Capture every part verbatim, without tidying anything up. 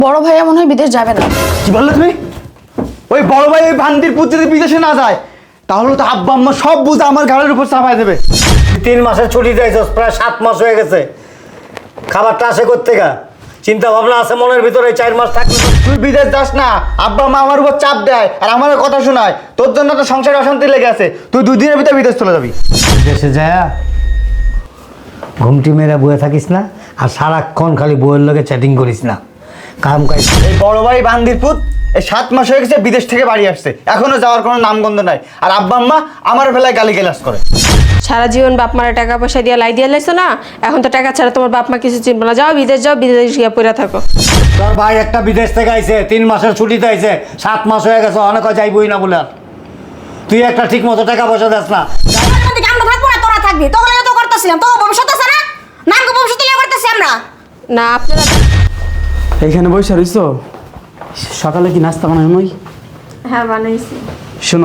বড় ভাইয়া মনে হয় বিদেশ যাবে না। কি বললে তুমি? ওই বড় ভাই ওই ভান্তির পুত যদি বিদেশে না যায় তাহলে তো আব্বা আম্মা সব বুঝে আমার ঘাড়ের উপর চাপায় দেবে। তিন মাসের ছুটি দিয়েছস, প্রায় সাত মাস হয়ে গেছে। খাবারটা আসে কোত্থেকা? চিন্তা ভাবনা আছে মনের ভিতরে? চার মাস থাকলে তুই বিদেশ যাস না, আব্বা মা আমার উপর চাপ দেয় আর আমার কথা শোনায়। তোর জন্য তো সংসারে অশান্তি লেগে আছে। তুই দুই দিনের ভিতরে বিদেশ চলে যাবি। দেশে যায় ঘুমটি মেরে বয়ে থাকিস না, আর সারাক্ষণ খালি বইয়ের লগে চ্যাটিং করিস না। কাম কাজ এই বড় ভাই বান্দির পুত এই সাত মাস হয়ে গেছে বিদেশ থেকে বাড়ি আসছে, এখনো যাওয়ার কোনো নামগন্ধ নাই। আর আব্বা আম্মা আমার বেলায় গালি গালাজ করে। সারা জীবন বাপ মারা টাকা পয়সা দিয়ে লাই দিয়ে লাইছো না, এখন তো টাকা ছাড়া তোমার বাপ মা কিছু চিনবো না। যাও বিদেশ যাও, বিদেশ গিয়ে পড়ে থাকো। তোর ভাই একটা বিদেশ থেকে আইছে, তিন মাসের ছুটিতে আইছে, সাত মাস হয়ে গেছে, অনেক যাইবই না বলে। তুই একটা ঠিক মতো টাকা পয়সা দেস না। আমরা থাকবো না, তোরা থাকবি। তোগুলো তো করতেছিলাম, তো ভবিষ্যৎ আছে না, নাম ভবিষ্যৎ লিয়ে করতেছি আমরা। না আপনারা এইখানে বসে রইছো? সকালে কি নাস্তা বানাই নই? হ্যাঁ বানাইছি। শোনো,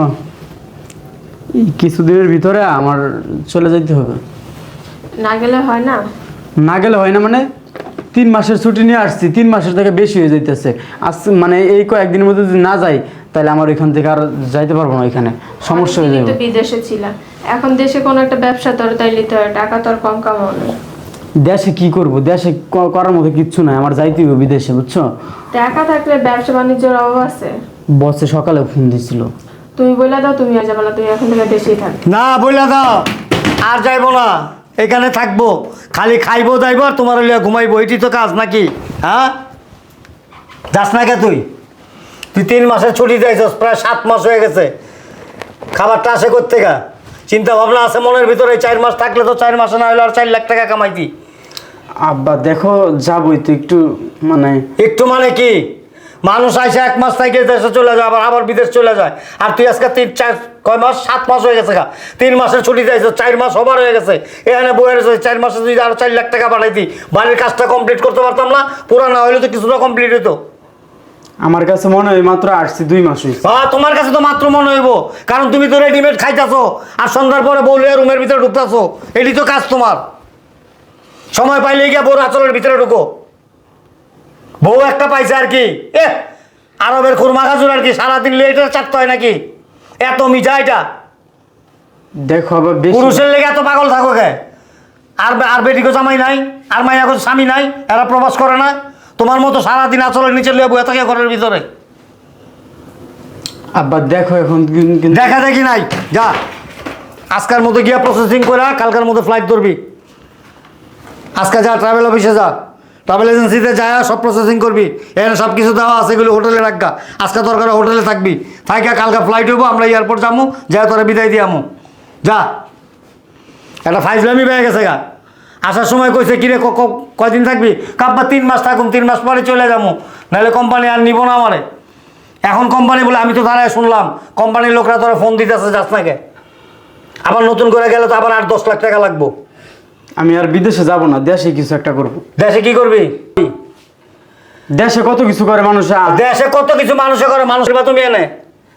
এই কিছুদিনের ভিতরে আমার চলে যেতে হবে। না গেলে হয় না? না গেলে হয় না মানে? তিন মাসের ছুটি নিয়ে আসছি, তিন মাসের থেকে বেশি হয়ে যাইতেছে। আজ মানে এই কয়েকদিনের মধ্যে যদি না যাই তাহলে আমার ওইখান থেকে আর যাইতে পারবো না, ওইখানে সমস্যা হয়ে যাবে। তো বিদেশে ছিলাম, এখন দেশে কোনো একটা ব্যবসা তোর তাই নিতে হয়, টাকা তোর কম কামাও না। দেশে কি করব? দেশে ক- করার মতো কিচ্ছু নাই, আমার যাইতে হবে বিদেশে, বুঝছো? টাকা থাকলে ব্যবসা বাণিজ্যের অভাব আছে? বসে সকালে ফোন দিছিল। তুমি বলে দাও তুমি আর যাবে না, তুমি এখন থেকে দেশেই থাক। না বইলা দাও, আর যাইবো না, এখানে থাকবো, খালি খাইবো যাইবো আর তোমার লিয়া ঘুমাইবো, এটি তো কাজ নাকি? হ্যাঁ, যাস না কে তুই? তুই তিন মাসের ছুটি দিয়েছস, প্রায় সাত মাস হয়ে গেছে। খাবারটা আসে কোত্থেকা? চিন্তা ভাবনা আছে মনের ভিতরে? চার মাস থাকলে তো চার মাসে না হলে আর চার লাখ টাকা কামাইতি। আব্বা দেখো, যাবই তো একটু, মানে একটু মানে কি? মানুষ আইসে এক মাস থেকে দেশে চলে যায়, আবার আবার বিদেশ চলে যায়। আর তুই আজকে তিন চার কয় মাস, সাত মাস হয়ে গেছে গা। তিন মাসের ছুটি দিয়েছে, চার মাস ওভার হয়ে গেছে। এখানে বইয়ের চার মাসে যদি আরো চার লাখ টাকা পাঠাইতি, বাড়ির কাজটা কমপ্লিট করতে পারতাম না? পুরা না হইলে তো কিছুটা কমপ্লিট হইতো। আমার কাছে মনে হয় মাত্র আসছি দুই মাস হয়েছে। হ্যাঁ, তোমার কাছে তো মাত্র মনে হইব, কারণ তুমি তো রেডিমেড খাইতেছো আর সন্ধ্যার পরে বউলে রুমের ভিতরে ঢুকতেছো। এটি তো কাজ তোমার। সময় পাইলে গিয়া বউর আচলের ভিতরে ঢুকো। বউ একটা পাইছে আর কি, এ আরবের খুরমা খাজুর আর কি, সারাদিন লেটে চাটতে হয় নাকি? এত মিঠা এটা? দেখো আবার বেশি পুরুষের লেগে এত পাগল থাকো কে? আর আর বেটিকে জামাই নাই, আর মাইয়াকে স্বামী নাই, এরা প্রবাস করে না? তোমার মতো সারাদিন আচলের নিচে লিয়ে বয়ে থাকে ঘরের ভিতরে। আব্বা দেখো এখন কিন- কিন্তু দেখা দেখি নাই, যা আজকের মতো গিয়া প্রসেসিং করে কালকের মতো ফ্লাইট ধরবি। আজকে যা ট্রাভেল অফিসে যা, ট্রাভেল এজেন্সিতে যা সব প্রসেসিং করবি। এখানে সব কিছু দেওয়া আছে, এগুলো হোটেলে রাখবা। আজকে দরকার হোটেলে থাকবি, থাকা কালকে ফ্লাইট হইব, আমরা এয়ারপোর্ট যাবো, যা তোরা বিদায় দিয়ে আমু। যা, একটা ফাইজলামি পেয়ে গেছে গা। আসার সময় কইছে কিরে ক- ক- কয়দিন থাকবি? কাব্বা তিন মাস থাকুন, তিন মাস পরে চলে যাবো, নাহলে কোম্পানি আর নিব না আমারে। এখন কোম্পানি বলে, আমি তো দাঁড়ায় শুনলাম কোম্পানির লোকরা তোরা ফোন দিতেছে, যাস নাকে? আবার নতুন করে গেলে তো আবার আট দশ লাখ টাকা লাগবো। আমি আর বিদেশে যাব না, দেশে কিছু একটা করব। দেশে কি করবি? দেশে কত কিছু করে মানুষ। আ- দেশে কত কিছু মানুষে করে, মানুষের বা তুমি এনে।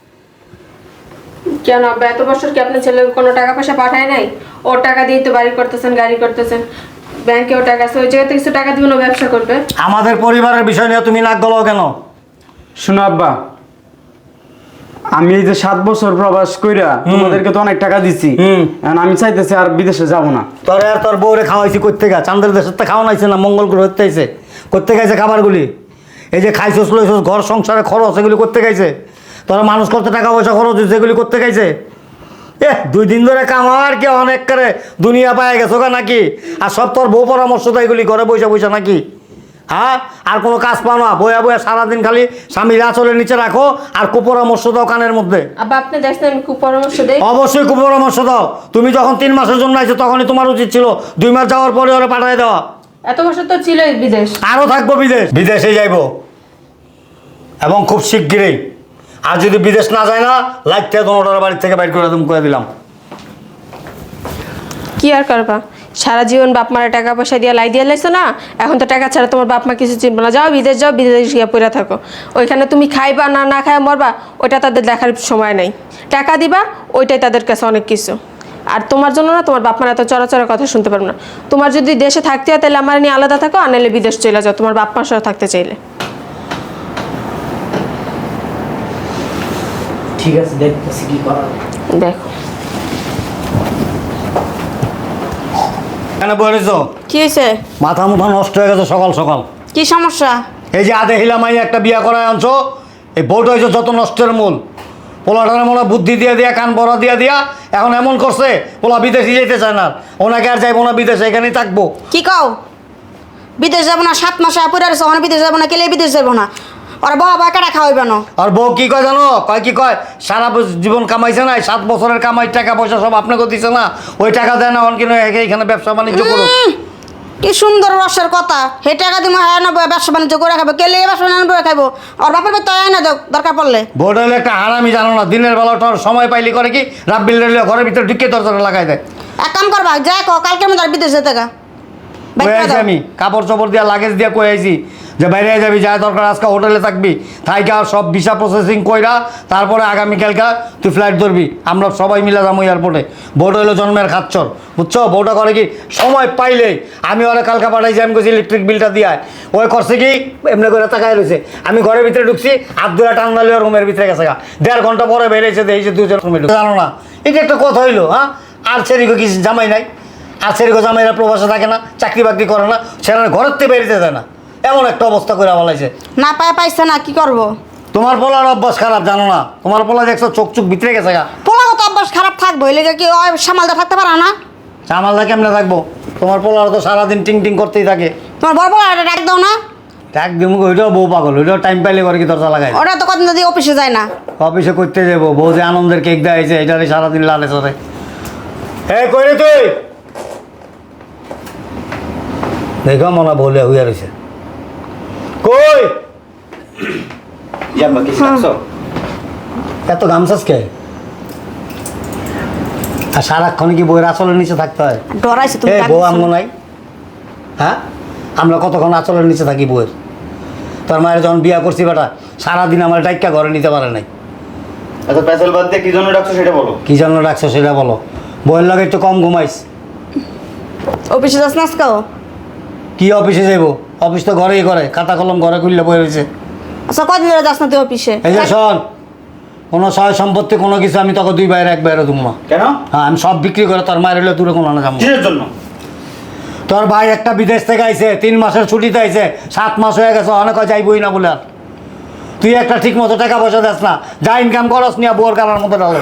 কেন আব্বা এত বছর কি আপনার ছেলে কোনো টাকা পয়সা পাঠায় নাই? ওর টাকা দিয়ে তো বাড়ি করতেছেন, গাড়ি করতেছেন, ব্যাংকেও টাকা আছে, ওই জায়গাতে কিছু টাকা দিবেন, ও ব্যবসা করবে। আমাদের পরিবারের বিষয় নিয়ে তুমি নাক গলাও কেন? শোনো আব্বা, আমি এই যে সাত বছর প্রবাস কইরা তোমাদেরকে তো অনেক টাকা দিছি, হুম। এখন আমি চাইতেছি আর বিদেশে যাব না। তোর আর তোর বউরে খাওয়াইছি করতে গা, চান্দের দেশের তো খাওয়া নাইছে না, মঙ্গল গ্রহ হতে আইছে করতে গেছে খাবারগুলি। এই যে খাইছস লইছস, ঘর সংসারে খরচ, এগুলি করতে গেছে। তোরা মানুষ করতে টাকা পয়সা খরচ হয়েছে, এগুলি করতে গেছে। এ দুই দিন ধরে কামার কি অনেক করে দুনিয়া পায় গেছো গা নাকি? আর সব তোর বউ পরামর্শ তো এগুলি ঘরে বৈশা বৈশা নাকি? হ্যাঁ, আর কোনো কাজ পাও না, বয়া বয়া সারাদিন খালি স্বামীর আঁচলের নিচে রাখো আর কুপরামর্শ দাও কানের মধ্যে। আব্বা আপনি দেখছেন আমি খুব পরামর্শ দেই? অবশ্যই কুপরামর্শ দাও। তুমি যখন তিন মাসের জন্য আইছো তখনই তোমার উচিত ছিল দুই মাস যাওয়ার পরে ওরা পাঠিয়ে দেওয়া। এত বছর তো ছিলই বিদেশ। আরও থাকবো বিদেশ, বিদেশে যাইব এবং খুব শিগগিরই। আর যদি বিদেশ না যায় না, লাইটটা তোমার বাড়ির থেকে বাইর করে তুমি করে দিলাম। কি আর করবা, সারা জীবন বাপ মারা টাকা পয়সা দিয়ে লাই দিয়ে লাইছো না, এখন তো টাকা ছাড়া তোমার বাপ মা কিছু চিনবো না। যাও বিদেশ যাও, বিদেশ গিয়ে পড়ে থাকো। ওইখানে তুমি খাইবা না না খাই মরবা, ওইটা তাদের দেখার সময় নেই। টাকা দিবা, ওইটাই তাদের কাছে অনেক কিছু। আর তোমার জন্য না তোমার বাপ মারা এত চড়াচড়া কথা শুনতে পারবো না। তোমার যদি দেশে থাকতে হয় তাহলে আমার নিয়ে আলাদা থাকো, আর নাহলে বিদেশ চলে যাও তোমার বাপ মার সাথে থাকতে চাইলে। ঠিক আছে, দেখতেছি কি করা যায়। দেখো কেন বলেছ? কি হয়েছে? মাথা মুথা নষ্ট হয়ে গেছে সকাল সকাল। কি সমস্যা? এই যে আদে হিলামাই একটা বিয়া করায় আনছো, এই বউটা হয়েছে যত নষ্টের মূল। পোলাটার মনে হয় বুদ্ধি দিয়ে দিয়া কান বড়া দিয়া দিয়া এখন এমন করছে পোলা বিদেশে যেতে চায় না, ওনাকে আর যাইবো না বিদেশে, এখানেই থাকবো। কি কও? বিদেশ যাবো না? সাত মাসে আপুরে আছে, ওখানে বিদেশ যাবো না? কেলে বিদেশ যাবো না? ওরা বাবা বা কাটা খাওয়াইবে না? আর বউ কি কয় জানো? কয় কি কয়, সারা বছ- জীবন কামাইছে না, সাত বছরের কামাই টাকা পয়সা সব আপনাকে দিছে না, ওই টাকা দেয় না, অনকিন এখানে ব্যবসা বাণিজ্য করো। উম, কি সুন্দর রসের কথা। হে টাকা দিব হ্যাঁ না ব্যবসা বাণিজ্য করে খাবো, কেলে ব্যবসা বাণিজ্য করে খাবো? আর বাপের বাড়ি তো আয় না, দেখ দরকার পড়লে। বউটা হলে একটা হারামি, জানো না, দিনের বেলা তোর সময় পাইলি করে কি রাব্বিল রেলে ঘরের ভিতরে ঢুকে দরজা লাগাই দেয়। এক কাম করবা, যাই কো কালকের মধ্যে আর বিদেশ যেতে গা। বাইর কয়ে করে আইছি দাও। আমি কাপড় চোপড় দিয়া লাগেজ দিয়া কয়ে আইছি যে বাইরে যাবি, যা দরকার আজকে হোটেলে থাকবি, থাইকা সব ভিসা প্রসেসিং কইরা তারপরে আগামীকালকা তুই ফ্লাইট ধরবি, আমরা সবাই মিলে যাবো এয়ারপোর্টে। বউটা হলো জন্মের খাচ্চর, বুঝছো? বউটা করে কি সময় পাইলে আমি ওরা কালকা পাঠাইছি, আমি কইছি ইলেকট্রিক বিলটা দিয়ে আয়। ওই করছে কি এমনি করে তাকায় রয়েছে, আমি ঘরের ভিতরে ঢুকছি, হাত ধরে টান্নালি রুমের ভিতরে গেছে গা, দেড় ঘন্টা পরে বেরিয়েছে দেখেছি দুজন রুমে ঢুকে। জানো না এটা একটা কথা হইলো? হ্যাঁ, আর সেদিকে কি জামাই নাই? আর সেরকম জামাইরা প্রবাসে থাকে না, চাকরি বাকরি করে না, সেখানে ঘরের থেকে বেরিতে যায় না, এমন একটা অবস্থা করে বলাইছে। না পায় পাইছে না, কি করবো? তোমার পোলার অভ্যাস খারাপ, জানো না? তোমার পোলা দেখছো চোখ চোখ ভিতরে গেছে গা। পোলাগত অভ্যাস খারাপ থাকবো, এলে কি ওই সামালদা থাকতে পারা না? চামালদা কেমনে থাকবো? তোমার পোলার তো সারাদিন টিং টিং করতেই থাকে। তোমার বড় বড় একটা ডাক দাও না। এক দিন ওইটাও বউ পাগল, ওইটাও টাইম পাইলে করে কি দরজা লাগাই। ওটা তো কদিন যদি অফিসে যায় না। অফিসে করতে যাবো, বউ যে আনন্দের কেক দেয়ছে এটারে সারাদিন লালে চলে। হে কই রে তুই? দেখো মনে বলে হইয়া রয়েছে। কই ইয়াম্মা কিছু রাখছো? এত গামছাস কে? আর সারাক্ষণ কি বইয়ের আঁচলের নিচে থাকতে হয়? ডরাইছে তুমি। এ ডাক বউ দিছো। আমগো নাই? হ্যাঁ, আমরা কতক্ষণ আঁচলের নিচে থাকি বউয়ের? তোর মায়ের যখন বিয়া করছি বেটা, সারাদিন আমার ডাইকা ঘরে নিতে পারে নাই। আচ্ছা পেছাল বাদ দিয়ে কি জন্য রাখছো সেটা বলো। কি জন্য রাখছো সেটা বলো। বউয়ের লাগে একটু কম ঘুমাইস। অফিসে যাস না আজকাও? কি অফিসে যাইবো? অফিস তো ঘরেই করে, খাতা কলম ঘরে খুললে বই রয়েছে। আচ্ছা কদিন ধরে যাস না তুই অফিসে? এই যে শোন, কোনো সয় সম্পত্তি কোনো কিছু আমি তোকে দুই বাইরে এক বাইরে দুমা। কেন? হ্যাঁ, আমি সব বিক্রি করে তোর মায়ের হইলে দূরে কোনো না যাবো। কিসের জন্য? তোর ভাই একটা বিদেশ থেকে আইছে, তিন মাসের ছুটিতে আইছে, সাত মাস হয়ে গেছে, অনেক যাইবই না বলে। আর তুই একটা ঠিক মতো টাকা পয়সা দেস না, যা ইনকাম করস নিয়ে বোর কারার মতো ডালো।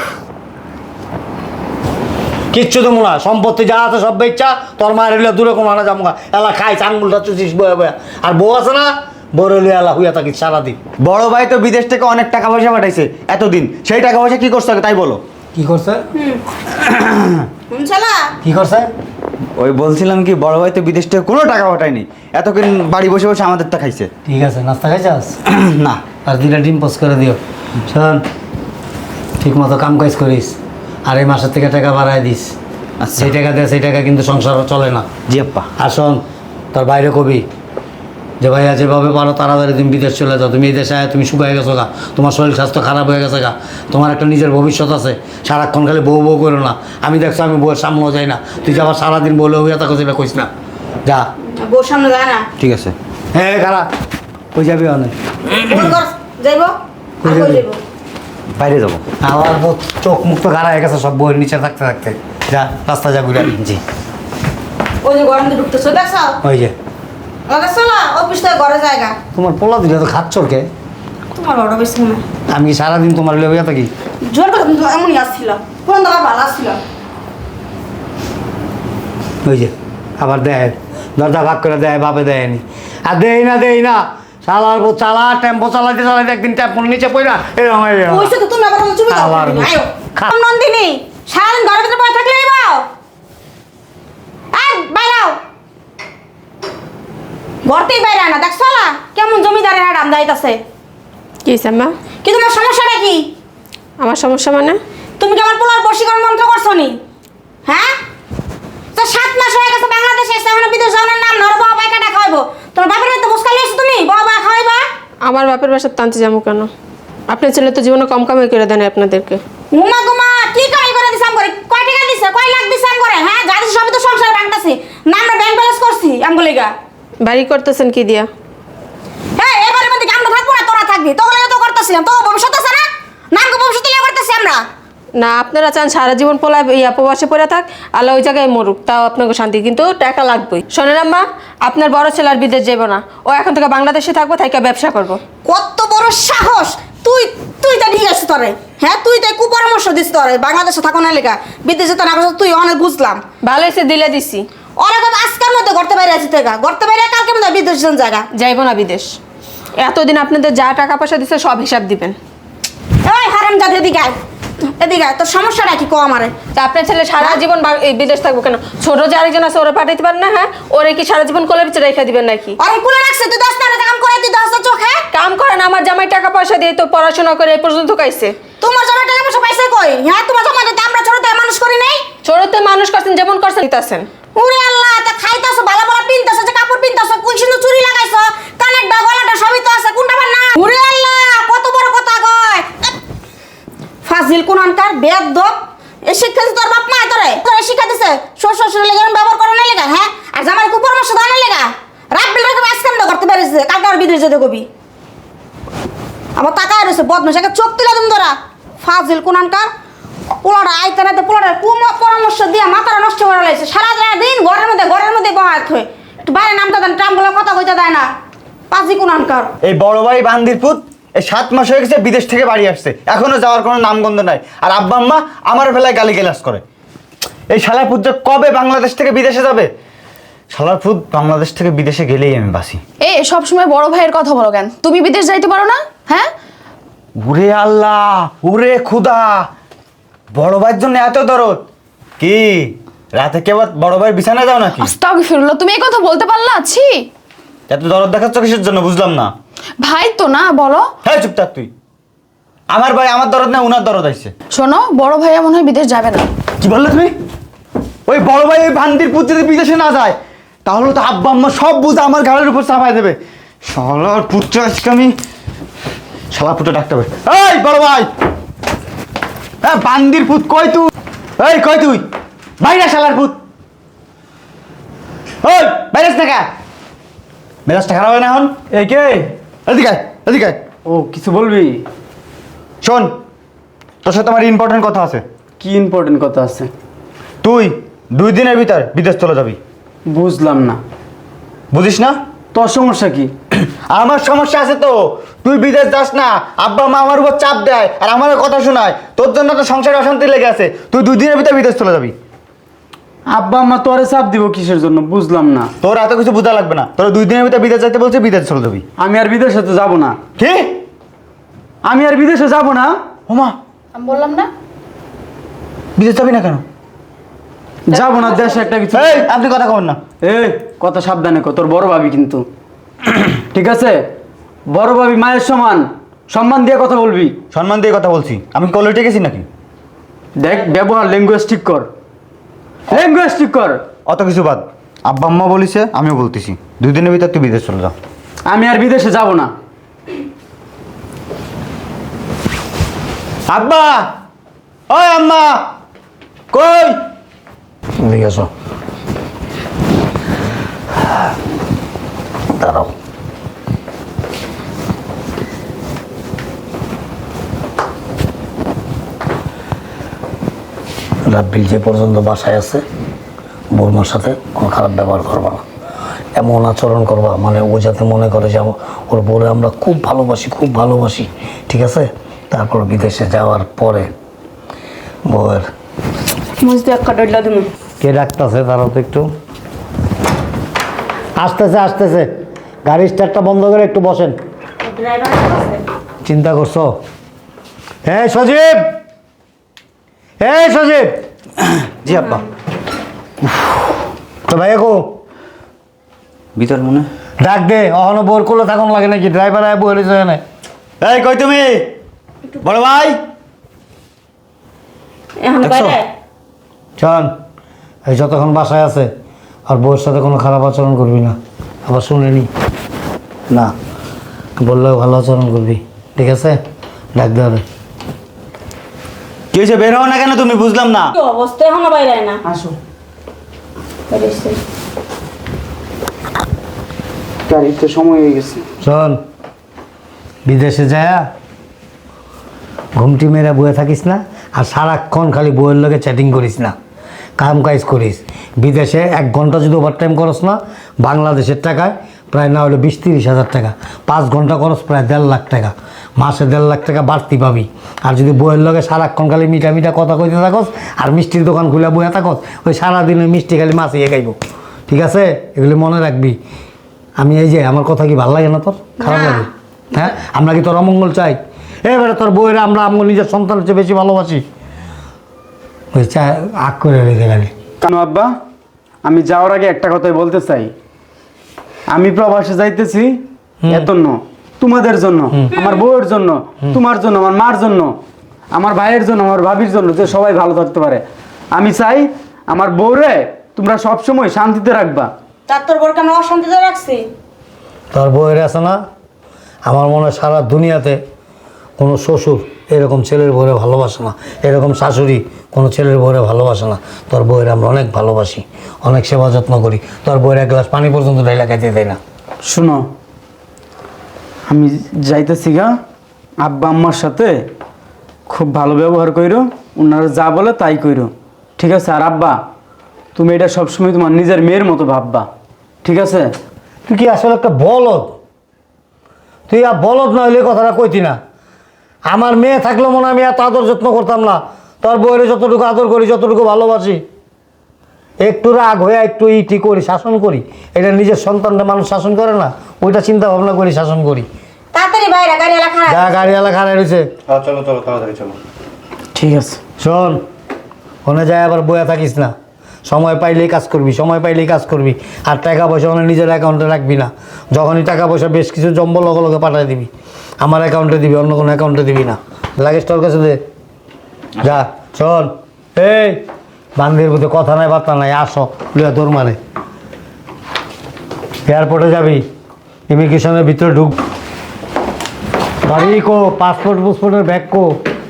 কিচ্ছু তো মনে হয় সম্পত্তি যা আছে সব বেচ্চা, তোর মায়ের হইলে দূরে কোনো না যাবো। এলা খাই চাঙ্গুলটা চুচিস বয়ে বয়ে। আর বউ আছে না, বউর হইলে এলা হুইয়া থাকিস সারাদিন। বড় ভাই তো বিদেশ থেকে অনেক টাকা পয়সা পাঠাইছে এতদিন, সেই টাকা পয়সা কি করছো তাই বলো। কি করছে? শুনছলা? কি করছে? ওই বলছিলাম কি বড় ভাই তো বিদেশ থেকে কোনো টাকা পাঠায়নি, এতক্ষণ বাড়ি বসে বসে আমাদের টা খাইছে। ঠিক আছে, নাস্তা খাইছাস? না। আর দুইটা ডিম পোস্ট করে দিও। শোন, ঠিক মতো কাম কাজ করিস, আর এই মাসের থেকে টাকা বাড়ায় দিস। আচ্ছা। সেই টাকা দেয়, সেই টাকা কিন্তু সংসার চলে না। জি আপ্পা। আর শোন, তোর বাইরে কবি যে ভাইয়া যেভাবে পারো তাড়াতাড়ি তুমি বিদেশ চলে যাও, তুমি এই দেশে আয়, তুমি শুকায় গেছো গা, তোমার শরীর স্বাস্থ্য খারাপ হয়ে গেছে গা, তোমার একটা নিজের ভবিষ্যৎ আছে, সারাক্ষণ খালি বউ বউ করো না। আমি দেখছো আমি বউয়ের সামনেও যাই না, তুই যে আবার সারাদিন বলে হইয়া থাকো সেটা কইস না, যা। বউর সামনে যায় না। ঠিক আছে। হ্যাঁ খারাপ কই যাবি অনেক? বউর ঘর যাইবো? কই আর কই যাবি? যাইবো? বাইরে যাবো। আমার বউ চোখ মুখ তো গাড়া হয়ে গেছে সব বউয়ের নিচে থাকতে থাকতে। যা রাস্তা যা ঘুরে। জি। ওই যে গরম দিয়ে ঢুকতেছো দেখছো? ওই যে দেখছো না? অফিস থেকে ঘরে জায়গা। তোমার পোলা দিলে তো খাচ্ছর কে? তোমার বড় বেশি না। আমি কি সারাদিন তোমার লেগে থাকি? জোর করে কিন্তু এমনই আসছিল। পুরান দাবার ভালো আসছিল। ওই যে আবার দেয়, দরজা ভাগ করে দেয়, বাপে দেয়নি। আর দেই না দেই না চালার বউ চালা, টেম্পো চালাইতে চালাইতে একদিন টেম্পোর নিচে পড়া এরকম হয়ে গেল। ওইসে তো তুমি আবার আমার চুপি দাও। আবার বউ। আয়ো। খা। নন্দিনী, সারাদিন ঘরের ভিতরে পড়ে থাকলেই বাও। এই বাইরাও। ঘরতেই বাইরে না, দেখছো না? কেমন জমিদারের হাড় আমদাইতাছে। কি হইছে আম্মা? কি তোমার সমস্যাটা কি? আমার সমস্যা মানে? তুমি কি আমার পোলার বশীকরণ মন্ত্র করছো নি? হ্যাঁ? তো সাত মাস হয়ে গেছে বাংলাদেশে এসে এখন বিদেশ যাওয়ার নাম নর বাবা পাই কাটা খাওয়াইবো। তোমার বাপের বাড়িতে মুস্কাল এসে তুমি বাবা খাওয়াইবা? আমার বাপের বাসার টানতে যাবো কেন? আপনার ছেলে তো জীবনে কম কামাই করে দেন আপনাদেরকে। উমা গুমা কি কামাই করে দিছাম করে? কয় টাকা দিছে? কয় লাখ দিছাম করে? হ্যাঁ? যা দিছে সবই তো সংসার ভাঙতাছি। না আমরা ব্যাংক ব্যালেন্স করছি আমগুলিগা। বাড়ি করতেছেন কি দিয়া? হ্যাঁ, এবারে মধ্যে আমরা থাকবো না, তোরা থাকবি। তোগুলো তো করতেছিলাম। তো ভবিষ্যৎ আছে না? নাম ভবিষ্যৎ লিয়ে করতে না আপনারা চান সারা জীবন পোলা ইয়া প্রবাসে পড়ে থাক, আল্লাহ ওই জায়গায় মরুক, তাও আপনাকে শান্তি, কিন্তু টাকা লাগবেই। শোনেন আম্মা, আপনার বড় ছেলে আর বিদেশ যাবো না, ও এখন থেকে বাংলাদেশে থাকবো, থাইকা ব্যবসা করবো। কত বড় সাহস! তুই তুই তো ঠিক আছে তোরে, হ্যাঁ তুই তাই কুপরামর্শ দিস তোরে বাংলাদেশে থাকো না লেখা, বিদেশে তো না করছিস, তুই অনেক বুঝলাম। ভালো হয়েছে দিলে দিছি। অনেক আজকের মধ্যে ঘরতে বাইরে আছে থেকে ঘরতে বাইরে কালকে মধ্যে বিদেশ জায়গা যাইবো না বিদেশ। এতদিন আপনাদের যা টাকা পয়সা দিচ্ছে সব হিসাব দিবেন। এই হারাম জাত এদিকে আয়, এদিকে আয়, তোর সমস্যাটা কি কো আমারে? তা আপনার ছেলে সারা জীবন বা- এই বিদেশ থাকবো কেন? ছোট যে আরেকজন আছে ওরা পাঠাইতে পারেন না? হ্যাঁ, ওরে কি সারা জীবন কোলের পিছনে রেখে দিবেন নাকি? অনেক কুলে রাখছে, তুই দশ টাকা কাম করে তুই দশ চোখে কাম করেন, আমার জামাই টাকা পয়সা দিয়ে তো পড়াশোনা করে এই পর্যন্ত কাইছে। তোমার জমা টাকা পয়সা পাইছে কই? হ্যাঁ তোমার জমা দিতে আমরা ছোট থেকে মানুষ করি নাই? ছোটতে মানুষ করছেন যেমন করছেন দিতেছেন। ওরে আল্লাহ, তা খাইতাছো ভালো ভালো পিনতাছো, যে কাপড় পিনতাছো, কোন সুন্দর চুরি লাগাইছো, কানের ডা গলাটা সবই তো আছে, কোনটা বার না? ওরে আল্লাহ, কত বড় কথা কয়! ফাজিল কোনখানকার বেয়াদব! এই শিক্ষা দিছে তোর বাপ মা তোরে? তোরে শিক্ষা দিছে শ্বশুর শ্বশুরের লেগে ব্যবহার করে না লেগা? হ্যাঁ, আর জামাই কু পরামর্শ দাও না লেগা? রাত বিল রেখে আজকে আমরা করতে পারিছে, কালকে আর বিদেশ যেতে কবি। আবার তাকায় রয়েছে বদমাশ, একটা চোখ তুলে তুমি তোরা। ফাজিল কোনখানকার! পোলাটা আইতে নাইতে পোলাটার কুম পরামর্শ দিয়ে মাথাটা নষ্ট করে লাগছে, সারা দিন ঘরের মধ্যে ঘরের মধ্যে বহাত হয়ে একটু বাইরে নামতে দেন, ট্রামগুলো কথা কইতে দেয় না। পাজি কোনখানকার! এই বড় ভাই বান্দির পুত এই সাত মাস হয়ে গেছে বিদেশ থেকে বাড়ি আসছে, এখনো যাওয়ার কোনো নামগন্ধ নাই। আর আব্বা আম্মা আমার বেলায় গালি গালাজ করে। এই শালার পুত যে কবে বাংলাদেশ থেকে বিদেশে যাবে? শালার পুত বাংলাদেশ থেকে বিদেশে গেলেই আমি বাসি। এ সব সময় বড় ভাইয়ের কথা বলো কেন? তুমি বিদেশ যাইতে পারো না? হ্যাঁ, উরে আল্লাহ, উরে খুদা, বড় ভাইয়ের জন্য এত দরদ? কি রাতে কেবল বড় ভাইয়ের বিছানা যাও নাকি? আস্তাগফিরুল্লাহ, তুমি এই কথা বলতে পারলা? ছি, এত দরদ দেখাচ্ছ কিসের জন্য বুঝলাম না। ভাই তো না, বলো। হ্যাঁ চুপ থাক তুই। আমার ভাই আমার দরদ না, উনার দরদ আইছে। শোনো, বড় ভাইয়া মনে হয় বিদেশ যাবে না। কি বললে তুমি? ওই বড় ভাই ওই ভান্দির পুত যদি বিদেশে না যায় তাহলে তো আব্বা আম্মা সব বুঝে আমার ঘাড়ের উপর চাপাই দেবে। শালার পুত্র আজকে আমি শালা পুত্র ডাকতে হবে। এই বড় ভাই, হ্যাঁ বান্দির পুত কই তুই? এই কই তুই? বাইরে শালার পুত, ওই বাইরে টাকা মেজাজটা খারাপ হয় না এখন? এই কে? এদিকে আয়, এদিকে আয়। ও কিছু বলবি? শোন, তোর সাথে আমার ইম্পর্টেন্ট কথা আছে। কি ইম্পর্টেন্ট কথা আছে? তুই দুই দিনের ভিতর বিদেশ চলে যাবি। বুঝলাম না। বুঝিস না? তোর সমস্যা কি? আমার সমস্যা আছে তো। তুই বিদেশ যাস না, আব্বা মা আমার উপর চাপ দেয় আর আমার কথা শোনায়, তোর জন্য তো সংসারে অশান্তি লেগে আছে। তুই দুই দিনের ভিতর বিদেশ চলে যাবি। আব্বা আম্মা তোরে চাপ দিব কিসের জন্য? বুঝলাম না। তোর এত কিছু বোঝা লাগবে না, তোর দুই দিনের ভিতর বিদেশ যাইতে বলছে, বিদেশ চলে যাবি। আমি আর বিদেশে তো যাব না। কি? আমি আর বিদেশে যাব না? ওমা, আমি বললাম না। বিদেশ যাবি না কেন? যাব না, দেশে একটা কিছু। এই আপনি কথা কবেন না। এই কথা সাবধানে কর, তোর বড় ভাবি কিন্তু। ঠিক আছে, বড় ভাবি মায়ের সমান, সম্মান দিয়ে কথা বলবি। সম্মান দিয়ে কথা বলছি, আমি কলেজে গেছি নাকি? দেখ, ব্যবহার ল্যাঙ্গুয়েজ ঠিক কর, ল্যাঙ্গুয়েজ ঠিক কর। অত কিছু বাদ, আব্বা আম্মা বলিছে, আমিও বলতেছি, দুই দিনের ভিতর তুই বিদেশ চলে যাও। আমি আর বিদেশে যাব না। আব্বা, ওই আম্মা কই? ঠিক আছে, দাঁড়াও। রাব্বিল যে পর্যন্ত বাসায় আছে, বৌমার সাথে কোনো খারাপ ব্যবহার করবা না, এমন আচরণ করবা মানে ও যাতে মনে করে যে আম- ওর বলে আমরা খুব ভালোবাসি, খুব ভালোবাসি, ঠিক আছে? তারপর বিদেশে যাওয়ার পরে বউয়ের মুজদি একটা ডইলা দিমু। কে ডাকতেছে? তারাও তো একটু আসতেছে, আসতেছে। গাড়ি স্টার্টটা বন্ধ করে একটু বসেন। ড্রাইভার আছে? চিন্তা করছো? হ্যাঁ সজীব, হ্যাঁ সজীব। জি আব্বা। তো ভাইয়া কো ভিতর মনে ডাক দে, অহনো বোর করলে থাকুন লাগে নাকি? ড্রাইভার আয় বলে যায় না। এই কই তুমি? বড় ভাই এখন দেখছো? বাইরে চল, এই যতক্ষণ বাসায় আছে আর বউয়ের সাথে কোনো খারাপ আচরণ করবি না। আবার শুনেনি না, বললেও ভালো আচরণ করবি, ঠিক আছে? ডাক দে আরে। কি হয়েছে? বের হও না কেন তুমি? বুঝলাম না। কি অবস্থা? এখনো বাইরে আয় না। আসো, বাইরে এসে। গাড়িতে সময় হয়ে গেছে। শোন, বিদেশে যায় ঘুমটি মেরে বয়ে থাকিস না, আর সারাক্ষণ খালি বইয়ের লগে চ্যাটিং করিস না, কাম কাজ করিস। বিদেশে এক ঘন্টা যদি ওভারটাইম করস না, বাংলাদেশের টাকায় প্রায় না হলে বিশ তিরিশ হাজার টাকা, পাঁচ ঘন্টা করস প্রায় দেড় লাখ টাকা, মাসে দেড় লাখ টাকা বাড়তি পাবি। আর যদি বইয়ের লগে সারাক্ষণ খালি মিঠা মিঠা কথা কইতে থাকস আর মিষ্টির দোকান খুলে বইয়া থাকস, ওই সারাদিন ওই মিষ্টি খালি মাছিয়ে খাইব। ঠিক আছে, এগুলি মনে রাখবি। আমি এই যে আমার কথা কি ভালো লাগে না তোর? খারাপ লাগে? হ্যাঁ, আমরা কি তোর অমঙ্গল চাই? এবারে তোর বইয়েরা আমরা আমার নিজের সন্তানের চেয়ে বেশি ভালোবাসি। ওই চা আগ করে রেখে গেলি কেন আব্বা? আমি যাওয়ার আগে একটা কথাই বলতে চাই, আমি প্রবাসে যাইতেছি এত ন তোমাদের জন্য, আমার বউয়ের জন্য, তোমার জন্য, আমার মার জন্য, আমার ভাইয়ের জন্য, আমার ভাবির জন্য, যে সবাই ভালো থাকতে পারে। আমি চাই আমার বউরে তোমরা সবসময় শান্তিতে রাখবা। তার তোর বোরকে আমরা অশান্তিতে রাখছি। তোর বউয়ের আছে না, আমার মনে হয় সারা দুনিয়াতে কোনো শ্বশুর এরকম ছেলের বউরে ভালোবাসে না, এরকম শাশুড়ি কোনো ছেলের বউরে ভালোবাসে না। তোর বউয়ের আমরা অনেক ভালোবাসি, অনেক সেবা যত্ন করি। তোর বউয়ের এক গ্লাস পানি পর্যন্ত ডাইলা খাইতে দেয় না। শুনো, আমি যাইতেছি গা, আব্বা আম্মার সাথে খুব ভালো ব্যবহার কইরো, ওনারা যা বলে তাই কইরো, ঠিক আছে? আর আব্বা, তুমি এটা সবসময় তোমার নিজের মেয়ের মতো ভাববা, ঠিক আছে? তুই কি আসলে একটা বলদ? তুই আর বলদ না হইলে কথাটা কইতি না। আমার মেয়ে থাকলে মনে হয় আমি এত আদর যত্ন করতাম না। তোর বউয়ের যতটুকু আদর করি, যতটুকু ভালোবাসি, একটু রাগ হয়ে একটু ইটি করি, শাসন করি। এটা নিজের সন্তানটা মানুষ শাসন করে না, ওইটা চিন্তা ভাবনা করি, শাসন করি। তাড়াতাড়ি বাইরে গাড়ি এলা খারাপ। যা গাড়িওয়ালা খারাপ রয়েছে। হ্যাঁ চলো চলো তাড়াতাড়ি চলো। ঠিক আছে। শোন, ওখানে যায় আবার বয়া থাকিস না, সময় পাইলেই কাজ করবি, সময় পাইলেই কাজ করবি। আর টাকা পয়সা মানে নিজের অ্যাকাউন্টে রাখবি না। যখনই টাকা পয়সা বেশ কিছু জম্বল লগে লগে পাঠিয়ে দিবি, আমার অ্যাকাউন্টে দিবি, অন্য কোনো অ্যাকাউন্টে দিবি না। লাগেজ তোর কাছে দে। যা। শোন, এই বান্দির মধ্যে কথা নাই বার্তা নাই, আসো লিয়া তোর মানে এয়ারপোর্টে যাবি, ইমিগ্রেশনের ভিতরে ঢুক। গাড়ি কো, পাসপোর্ট পুসপোর্টের ব্যাগ কো,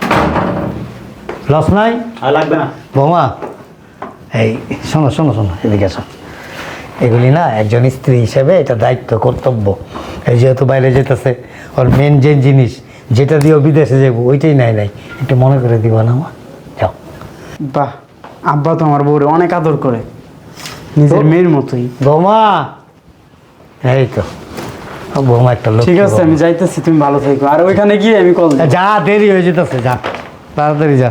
লস নাই? আর লাগবে না। বৌমা, এই শোনো শোনো শোনো, এদিকে আসো। এগুলি না একজন স্ত্রী হিসেবে এটা দায়িত্ব, কর্তব্য। এই যেহেতু বাইরে যেতেছে, ওর মেন যে জিনিস যেটা দিয়েও বিদেশে যাবো ওইটাই নাই নাই, একটু মনে করে দিব না মা? যাও। বাহ, আব্বা তো আমার বউরে অনেক আদর করে, নিজের মেয়ের মতোই। বৌমা, এই তো বৌমা একটা লোক। ঠিক আছে, আমি যাইতেছি, তুমি ভালো থেকো। আর ওইখানে গিয়ে আমি কল দিই। যা, দেরি হয়ে যেতেছে, যা তাড়াতাড়ি যা।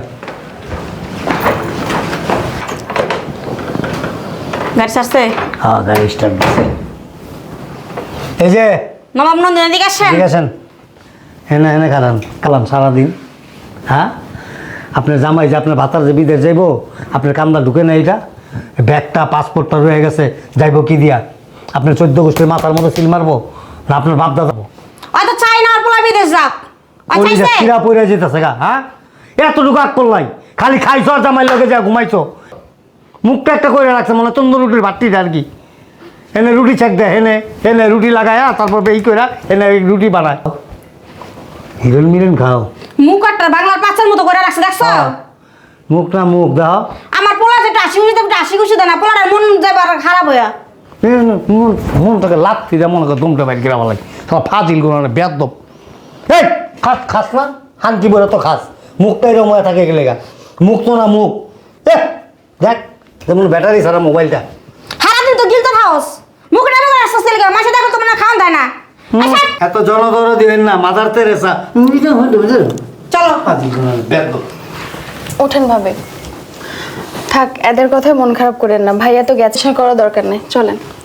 গাড়ি ছাড়ছে? হ্যাঁ, গাড়ি স্টার্ট দিচ্ছে। এই যে নবাব নন্দিনী এদিকে আসেন। ঠিক আছেন, এনে এনে খারান কালাম সারাদিন। হ্যাঁ, আপনার জামাই যে আপনার ভাতার যে বিদেশ যাইব, আপনার কামটা ঢুকে না, এইটা ব্যাগটা পাসপোর্টটা রয়ে গেছে, যাইব কি দিয়া? আপনার চোদ্দ গোষ্ঠীর মাথার মতো সিল মারবো না আপনার বাপ দাদা? হয়তো চাই না আর পোলা বিদেশ যাক। ওই চাইছে? কিরা পড়ে যেতেছে গা। হ্যাঁ, এতটুকু আগ করলাই, খালি খাইছো আর জামাই লগে যা ঘুমাইছো। মুখটা একটা করে রাখছে মনে তন্দুর রুটির ভাতটিটা আর কি। এনে রুটি চেক দেয়, এনে এনে রুটি লাগায়, তারপর এই করে এনে রুটি বানায়। হিরোইন মিরন খাও। মুখ একটা বাংলার পাঁচের মতো করে রাখছে, দেখছো? মুখ না মুখ দাও। আমার পোলা যেটা হাসি খুশি দেবে হাসি খুশি দেয় না, পোলার মন যাবে আর খারাপ হইয়া। মন মনটাকে লাত্তি দেয়, মনে করে দুমটা বাইর গেলা লাগে, সব ফাজিল গুলো বেদব। এই খাস খাস না, হানকি বলে তো খাস, মুখটা এরকম হয়ে থাকে গেলে গা। মুখ তো না মুখ, এ দেখ যেমন ব্যাটারি ছাড়া মোবাইলটা। হারাদিন তো গিলতে খাওস, মুখে ডাবে করে আসছিস লেগে, মাসে দেখো তোমার খাওয়ান দেয় না। আচ্ছা এত জনদর দিবেন না, মাদার তেরেসা। চলো। বেদব। ওঠেন ভাবে, থাক এদের কথায় মন খারাপ করেন না, ভাইয়া তো গেছে, করার দরকার নেই, চলেন।